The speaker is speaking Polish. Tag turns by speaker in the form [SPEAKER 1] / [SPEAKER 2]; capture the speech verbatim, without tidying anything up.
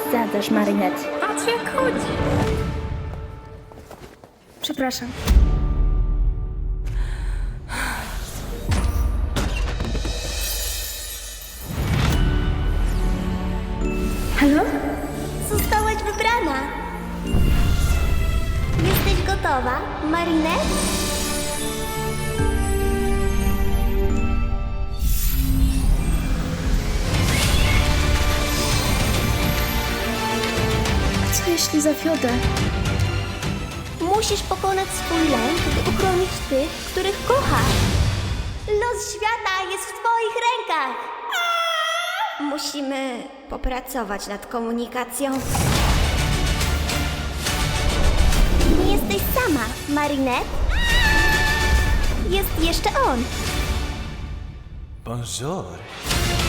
[SPEAKER 1] Przesadzasz, Marinette.
[SPEAKER 2] Patrz jak chodzi.
[SPEAKER 1] Przepraszam. Halo?
[SPEAKER 3] Zostałaś wybrana. Jesteś gotowa, Marinette?
[SPEAKER 1] Co jeśli zawiodę?
[SPEAKER 3] Musisz pokonać swój lęk, by uchronić tych, których kochasz. Los świata jest w twoich rękach. Musimy popracować nad komunikacją. Nie jesteś sama, Marinette. Jest jeszcze on.
[SPEAKER 4] Bonjour.